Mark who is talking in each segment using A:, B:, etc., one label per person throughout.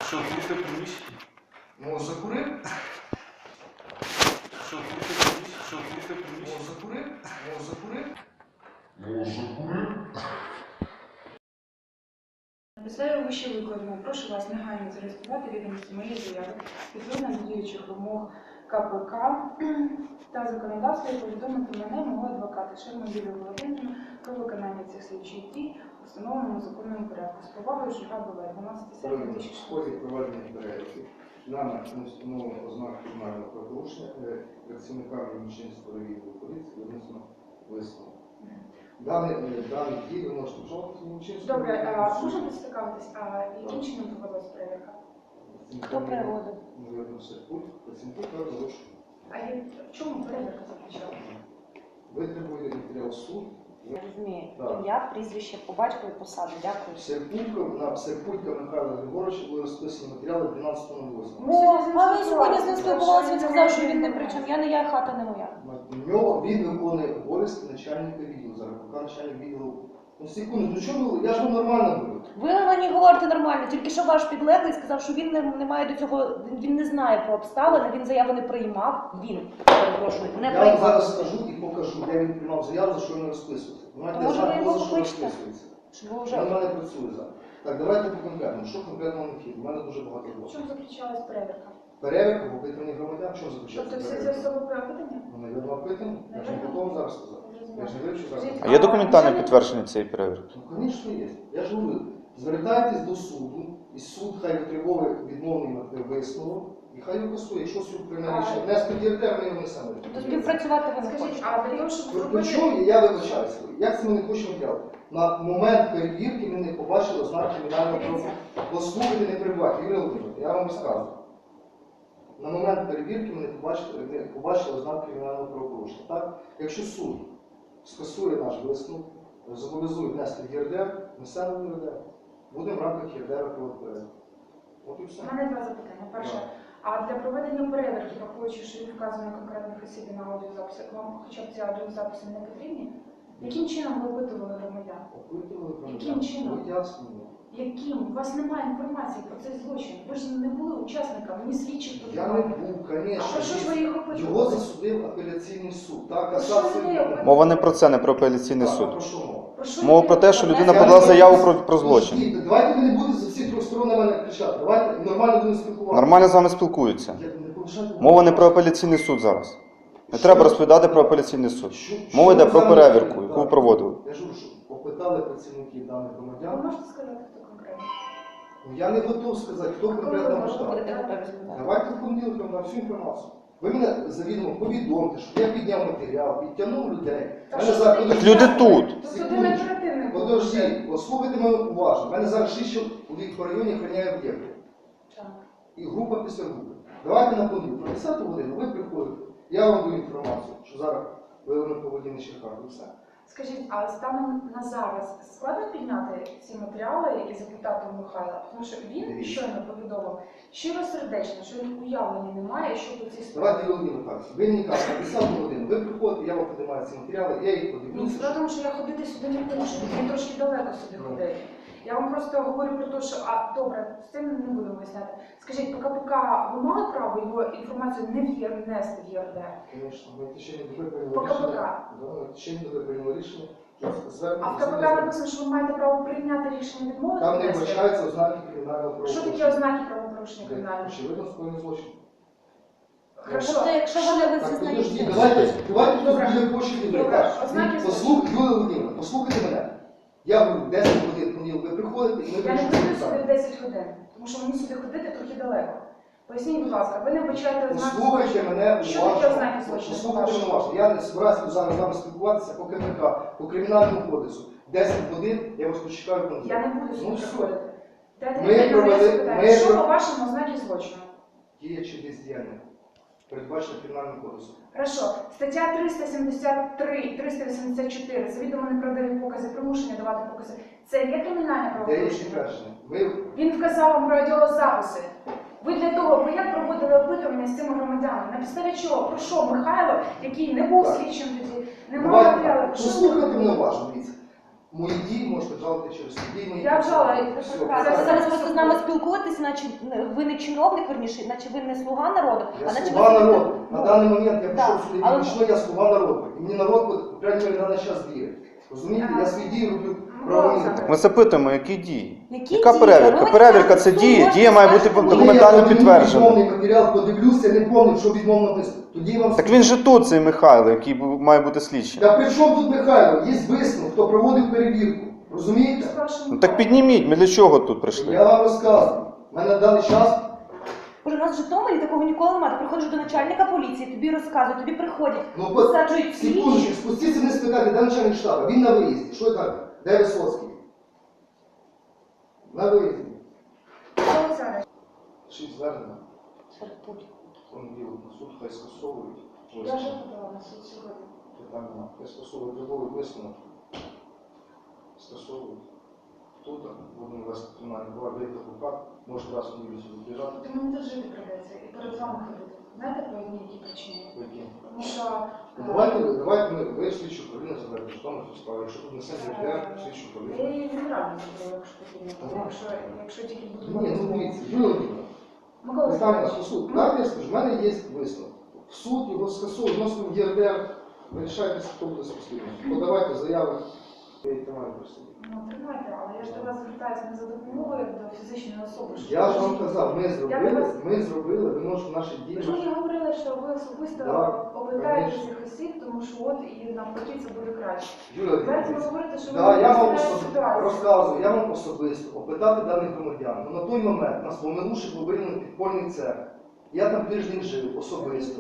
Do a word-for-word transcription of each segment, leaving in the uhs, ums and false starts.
A: Що, вийти в приміщення?
B: Ну, закурив?
A: Що, вийти в приміщення? Що, вийти в приміщення?
B: Ну, закурив? Ну, закурив?
C: Ну, закурив?
D: На підставі вище викладеного прошу вас негайно зареєструвати відомості моєї заяви відповідно до діючих вимог К П К та законодавства і повідомити мене, мого адвоката Шерму Юлію Володимирівну про виконання цих слідчих дій у встановленому законному порядку. З повагою Жуга Б В, дванадцяте серпня
B: В
D: дві тисячі
B: ході
D: шістнадцятого.
B: проведення перевірки нами не встановлено ознак кримінального правопорушення, е, працівниками Мічинського відділу поліції винесено висновок. Даний е, даний дій ви можете вживати в Мічинському.
D: Добре, а можна поцікавитись, а яким чином проводилась перевірка?
E: Хто проводив?
B: Навірно, все путь, працівники кажуть, що
D: А я- в чому перевірка заключалася?
B: ви требуєте матеріал суд.
E: Я розумію.
B: Так.
E: Ім'я, прізвище, по батькові, посаду. Дякую.
B: Серпулька, на Серпулька Михайла Григоровича були розписані матеріали дванадцятого восьмого.
E: О, а ви сьогодні з ним спілкувалися, він сказав, що він не при чому. Я не я, хата не моя.
B: На нього він виконує обов'язки начальника відділу. Зараз поки начальник відділу. Ну секунду, ну чому ви? Я ж вам нормально говорю.
E: Ви на мені говорите нормально, тільки що ваш підлеглий сказав, що він не, не має до цього, він, він не знає про обставини, він заяву не приймав, він, перепрошую, не
B: Я вам
E: приймав.
B: зараз скажу і покажу, де він приймав заяву, за що він розписується. Знаєте, я
E: Може,
B: знаю,
E: ви
B: хто
E: його
B: за що
E: покличте?
B: розписується.
E: Щоб ви
B: Він
E: вже...
B: в мене працює зараз. Так, давайте по конкретному. Що конкретно на фільм? У мене дуже багато
D: В
B: роботи.
D: чому заключалась перевірка?
B: Перевірка в опитуванні громадян, що
D: Тобто
B: заключається
D: всі ці
B: перевірка?
D: особи опитані?
B: Ну, навірно, опитані. Я ж не готовий зараз сказати. Я ж не вивчу зараз.
D: Скажіть,
F: А є документальне підтвердження цієї перевірки?
B: Ну, звісно, є. Я ж говорю, звертайтесь до суду, і суд хай витривовує відмовний висновок, і хай використовує, якщо суд прийме рішення, не сподівайте, ми його не саме.
E: Тобто співпрацювати ви не
D: Скажіть,
E: хочете.
D: а для того, щоб
B: Ви
D: зробити...
B: чому я вибачаюся? Як це ми не хочемо делати? На момент перевірки ми не побачили ознак кримінального
D: Дивіться.
B: правопорушення. Послухайте, не перебувайте, Юрій Володимирович, я вам розказую. На момент перевірки ми не побачили, не побачили ознак кримінального правопорушення. Так? Якщо суд скасує наш висновок, зобов'язує внести в ЄРДР, несемо в ЄРДР, будемо в рамках ЄРДР проводити перевірку. От і все.
D: У мене два запитання. Перше,
B: Так.
D: а для проведення перевірки, враховуючи, що він вказаний конкретних осіб і на аудіозаписі, вам хоча б ці аудіозаписи не потрібні? Яким чином ви опитували громадян?
B: Опитували громадян.
D: Яким чином?
B: Пояснюємо.
D: Яким? У вас немає інформації про цей злочин. Ви ж не були учасниками, ні слідчих тут
B: Я не
D: немає.
B: був,
D: А про що ж
B: звісно.
D: ви їх опитували?
B: Його засудив апеляційний суд. Так,
D: Про що
B: касація.
D: ви опитували?
F: Мова не про це, не про апеляційний
B: Так, а
F: суд.
B: про що мова?
D: Про що
F: Мова
D: ви
F: про те, що
D: опитували?
F: людина
B: Я
F: подала
B: не
F: заяву
B: можу-
F: про, про злочин.
B: Ні, давайте ви не будете з всіх трьох сторон на мене кричати. Давайте нормально будемо спілкуватися.
F: Нормально з вами спілкуються.
B: Я не повишаю.
F: Мова не про апеляційний суд зараз. Не треба розповідати про апеляційний суд.
B: Що-
F: Мова
B: що
F: йде
B: ви
F: про
B: за мене
F: перевірку,
B: кажете?
F: яку ви
B: Так.
F: проводили.
B: Я ж кажу, що опитали працівників даних
D: Ви
B: громадян.
D: можете сказати, хто конкретно?
B: Ну, я не готов сказати, хто
D: Коли ви
B: конкретно
D: можете
B: може.
E: Будете готові сказати.
B: Давайте в понеділок вам дам всю інформацію. Ви мене завідомо повідомте, що я підняв матеріал, підтягнув людей.
D: Та
B: Мене
D: що
B: зараз-
D: ви
F: Так
B: Подожди,
F: люди тут.
D: Тобто один оперативник був.
B: Подожди, послухайте мене уважно. У мене зараз шість чоловік по районі охороняє об'єкти.
D: Так.
B: І група після групи. Давайте на понеділок, на десяту годину ви приходите. Я вам даю інформацію, що зараз виявлено поведіння Черках і все.
D: Скажіть, а станом на зараз складно підняти ці матеріали і запитати у Михайла? Тому що він
B: Дивіться.
D: щойно повідомив щиросердечно, що він уявлення не має, що по цій справі.
B: Давайте, Володимир Михайлович, ви мені кажете, на десяту годину ви приходите, я вам подимаю ці матеріали, я їх
D: Ні,
B: подивлюся.
D: справа в тому, що я ходити сюди не можу, мені трошки далеко сюди
B: Ну.
D: ходити. Я вам просто говорю про те, що, а добре, з цим не будемо виясняти. Скажіть, по КПК ви мали право його інформацію не в'єр- внести в ЄРДР?
B: Звісно, ми в течение доби прийняли
D: По
B: рішення.
D: КПК?
B: Да, ми в течение доби прийняли рішення, що
D: А
B: звернення.
D: в КПК написано, що ви маєте право прийняти рішення відмовити?
B: Там не
D: внести?
B: вбачаються ознаки кримінального
D: Що
B: правопорушення.
D: таке ознаки правопорушення кримінального?
B: Очевидно, скоєний злочин.
D: Хорошо.
E: Тобто, якщо вони ви
B: Так, подожди,
E: зізнаєте...
B: давайте, давайте
D: Добре.
B: тут буде почти
D: Добре.
B: так.
D: Ознаки
B: Послухайте, Юлія Володимирівна, послухайте мене. Я говорю, десять годин понеділок ви приходите і ми
D: Я не
B: вирішуємо
D: прийду
B: питання.
D: сюди в десять годин, тому що мені сюди ходити трохи далеко. Поясніть, будь ласка, ви не вбачаєте ознаки
B: Послухайте
D: злочину?
B: мене
D: Що
B: уважно.
D: таке ознаки злочину?
B: Послухайте мене уважно. Я не збираюся зараз з вами спілкуватися по КПК, по кримінальному кодексу. десять годин я вас почекаю в понеділок.
D: Я не буду сюди
B: Ну, все.
D: приходити. Дайте
B: Ми
D: мені
B: провели-
D: на запитання.
B: ми
D: Що
B: про-
D: по-вашому ознаки злочину?
B: Діє чи бездіяння, передбачено кримінальним кодексом.
D: Хорошо. Стаття триста сімдесят три, триста вісімдесят чотири, завідомо неправдиві покази, примушення давати покази. Це є кримінальне
B: Де є
D: правопорушення?
B: підтвердження? Ми
D: Він вказав вам про аудіозаписи. Ви для того, ви як проводили опитування з цими громадянами? На підставі чого? Про що Михайло, який не був
B: Так.
D: слідчим тоді, не мав
B: Давайте
D: матеріалу?
B: так.
D: Що ви
B: Послухайте
D: робили?
B: мене уважно, дивіться. Мої дії можете жалити через суд. Дії мої
D: Я вжала,
B: Все,
D: і це
B: все.
D: прекрасно.
E: Ви зараз просто з нами спілкуєтесь, наче ви не чиновник, верніше, наче ви не слуга народу,
B: Я
E: а наче
B: слуга
E: ви
B: народу. На
E: Ну,
B: даний момент я
E: да,
B: прийшов сюди
E: але-
B: вічно, я слуга народу. І мені народ, по крайній мірі, на даний час діє. Розумієте? Я свої дії роблю правильно.
F: Так ми запитуємо, які дії?
E: Які
F: Яка
E: дії?
F: перевірка?
E: Ви
F: Перевірка
E: кажете,
F: це
E: суд
F: дія.
E: може
F: Дія має бути
E: скажете,
F: документально
B: Коли я
F: підтверджена.
B: відмовний матеріал подивлюся, не пам'ятаю, що відмовно написано. Тоді я вам
F: Так він же тут, цей Михайло, який бу- має бути слідчим.
B: Та при чому тут Михайло? Є висновок, хто проводив перевірку. Розумієте?
F: Ну так підніміть, ми для чого тут прийшли?
B: Я вам розказую. У мене на даний час
E: Боже, у нас в Житомирі такого ніколи немає. Ти приходиш до начальника поліції, тобі розказують, тобі приходять,
B: Ну,
E: висаджують
B: секундочку,
E: слідчі.
B: спустіться вниз спитати, де начальник штабу? Він на виїзді. Що так? Де Висоцький? На виїзді.
D: Олександр,
B: Шість звернення. Понеділок на суд, хай скасовують. Ось
D: я вже подала на суд сьогодні.
B: питання нема. Хай скасовують трудовий висновок. Скасовують. Тут будемо вести кримінальне право, виїхати в УКАП, може раз в неділю сюди приїжджати.
D: Тобто мені тут жити придеться і перед вами ходити. Знаєте по одній якій причині?
B: По яким?
D: Тому що
B: Ну, Давайте, давайте ми, ви слідчу управління заберете, що там справа. Якщо тут несе ДР, слідчу
D: я
B: управління.
D: її відправлю заберу, якщо потрібно. Якщо, якщо тільки буду
B: Ні, ну дивіться, Юлія Володимирівна,
D: Микола
B: питання
D: Олександрович,
B: на суд. Так, я скажу, в мене є висновок. В суд його скасовують, вносимо в ЄРДР, вирішайтеся, хто буде спостерігати. Подавайте заяви, я їх тримаю при собі.
D: ну тримайте, але я ж до вас звертаюся не за допомогою як до фізичної особи. що
B: Я ж
D: ви-
B: вам казав, ми
D: Я
B: зробили,
D: вас-
B: ми зробили, ви можете наші дії.
D: Ви ж мені говорили, що ви особисто
B: Да,
D: опитаєте
B: конечно.
D: цих осіб, тому що от і навпаки це буде краще.
B: Юлія
D: Зараз ви
B: Володимирівна,
D: говорите, що ви
B: да,
D: не
B: я вам
D: знаєте
B: особ...
D: ситуацію.
B: розказую, я вам особисто опитати даних громадян. Ну, на той момент нас помилушив був виявлений підпольний цех. Я там тиждень жив особисто.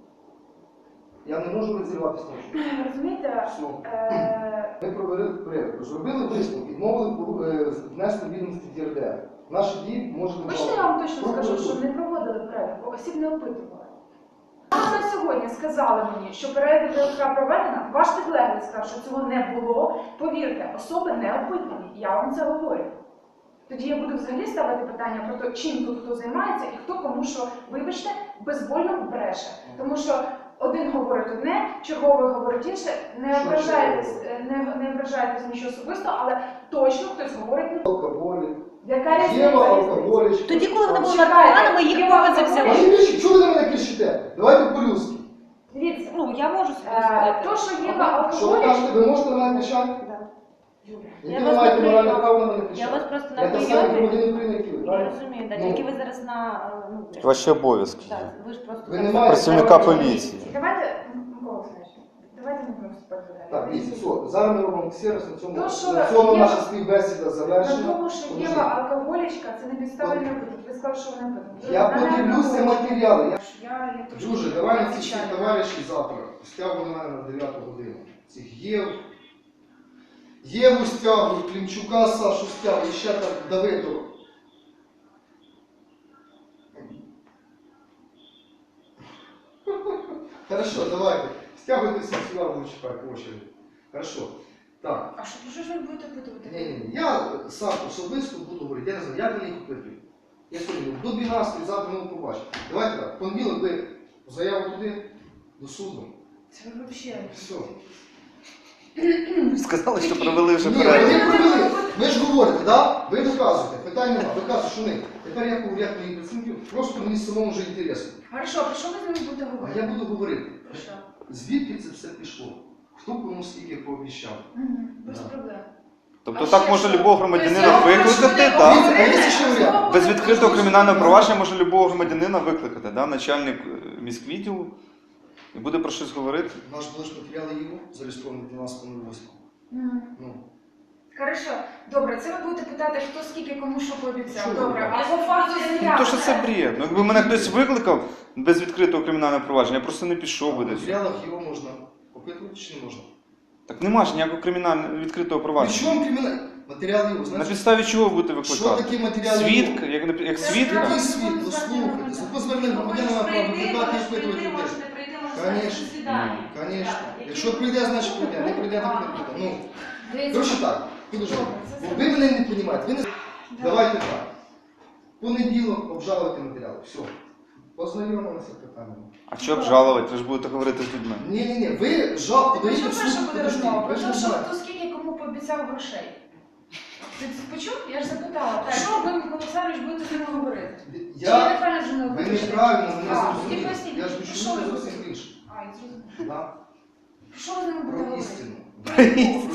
B: Я не можу розірватися на що.
D: Розумієте,
B: Все.
D: е,
B: Ми провели перевірку, зробили висновок, відмовили е, внести відомості в ЄРДР. Наші дії можуть
D: хочете я вам точно скажу, що не проводили перевірку, осіб не опитували. Ви на сьогодні сказали мені, що перевірка проведена, ваш підлеглий сказав, що цього не було. Повірте, особи не опитані, я вам це говорю. Тоді я буду взагалі ставити питання про те, чим тут хто займається і хто кому що, вибачте, безвольно бреше. Тому що один говорить одне, черговий говорить інше. Не
B: Що
D: ображайтесь, не, не ображайтесь нічого особисто, але точно хтось говорить не
B: алкоголі.
D: яка
B: Є
D: різниця?
B: алкоголі.
E: Тоді, коли вони були
D: Чекайте,
E: наркоманами, їх
D: я
E: повинні
D: вам
E: взяли.
B: А ви кричите, чого ви на мене кричите? Давайте по-людськи.
D: Дивіться,
E: Ну, я можу собі
D: е,
E: сказати.
D: то, що є
B: Що ви
D: алкоголі,
B: кажете, ви можете на мене кричати?
E: Да.
B: Яке
E: Я
B: ви
E: вас
B: маєте
E: не
B: моральне
E: прийму.
B: право на мене кричати?
E: Я вас просто на
B: Я так само
E: прийомі.
B: громадянин України, як і ви,
E: Я
B: правильно?
E: розумію, да,
B: Ну.
E: тільки ви зараз на е, ну,
F: Ваші обов'язки.
E: так, ви ж просто
B: Ви
E: зараз-
B: не маєте
F: Працівника
B: права-
F: поліції.
D: давайте, Микола Олександрович, давайте не будемо вступати далі.
B: Так, дивіться, все, зараз ми робимо ксерос, на цьому,
D: То, що
B: на цьому
D: є-
B: наша співбесіда
D: На
B: завершена.
D: тому, що
B: Подождіть.
D: Єва алкоголічка, це не підстави не опитувати. Ви сказали, що вона опитана.
B: Я подивлюся матеріали. Я...
D: Я, я трошки
B: Друже, давай на ці всі
D: відвічаю.
B: товариші завтра стягуй на мене на дев'яту годину. Цих Єв. Єву стягуй, Клімчука, Сашу стягуй, ще там Давидова. Хорошо, давайте. Стягуйте всіх сюди, буду чекати по очереді. Хорошо. Так.
D: А що, про що ж ви будете опитувати?
B: Ні, ні, ні. Я сам особисто буду говорити, я не знаю, як мені їх опитую. Я сьогодні до дванадцятої, завтра ми побачимо. Давайте так, в понеділок ви заяву туди, до суду.
D: Це ви взагалі.
B: Все.
F: Сказали, що провели вже
B: Ні, ви
F: перевірку.
B: не провели. Ви ж говорите, да? Ви доказуєте, питань нема. Ви кажете, що ні. Тепер я говорю, як мої працівників, просто мені самому вже інтересно.
D: Хорошо, про що ви з ними будете
B: А
D: говорити?
B: я буду говорити,
D: Про що?
B: звідки це все пішло? Хто кому скільки пообіцяв?
D: Мгм, Без
B: Да.
D: проблем.
F: Тобто
D: А
F: так
D: ще
F: може
D: що?
F: любого
D: Тобто
F: громадянина
D: я говорю,
F: викликати,
D: що ви
F: так?
B: Дивіться, а є ще варіант.
F: Без відкритого кримінального провадження може любого громадянина викликати, да? Начальник е, міськвідділу, і буде про щось говорити.
B: Наш ближ матеріали його зареєстрований дванадцятого восьмого.
D: Мгм.
B: Ну,
D: Хорошо, добре, це ви будете питати, хто скільки кому що пообіцяв.
B: Що ви
D: Добре,
B: робите?
D: а по факту
F: Ну
D: заяви.
F: то що це бред. Ну якби мене хтось викликав без відкритого кримінального провадження, я просто не пішов би
B: в
F: десь.
B: матеріалах його можна опитувати чи не можна?
F: Так нема ж ніякого кримінального відкритого
B: При
F: провадження.
B: чому кримінальний? Матеріали його,
F: На
B: знаєте?
F: підставі чого будете
B: Що
F: викликати?
B: таке матеріали?
F: Свідка, як, нап- як
D: Це
F: свідка?
B: Який світ? Ну слухайте, закон звернення громадянина на право викликати і впитувати людей. Конечно. Конечно. Якщо прийде, значить прийде. Не прийде, так не прийде. Ну,
D: Дивіться.
B: коротше так, підожди.
D: Добре, це
B: Бо ви мене не розумієте. Ви не... Давайте так. Понеділок обжалуйте матеріали. Все. Познайомилися з питаннями.
F: А що обжалувати? Ви ж будете говорити з людьми.
B: Ні, ні, ні. Ви жал,
D: Про
B: подаєте
D: що
B: в
D: перша
B: суд,
D: буде
B: подожди.
D: розмова?
B: Ви
D: Про
B: ж
D: те,
B: не
D: що
B: знаєте.
D: хто скільки кому пообіцяв грошей. Ти це почув? Я ж запитала, про що ви, Микола Олександрович, будете з ними говорити? Чи я
B: Я...
D: неправильно з ними
B: Ви
D: говорю?
B: неправильно мене
D: А,
B: зрозуміли.
D: і поясніть,
B: Я ж
D: про що
B: почув
D: ви
B: зовсім
D: будете?
B: інше.
D: А, я зрозуміла.
B: Да?
D: Про що ви з ними будете
B: Про
D: говорити?
B: істину.
D: Про яку?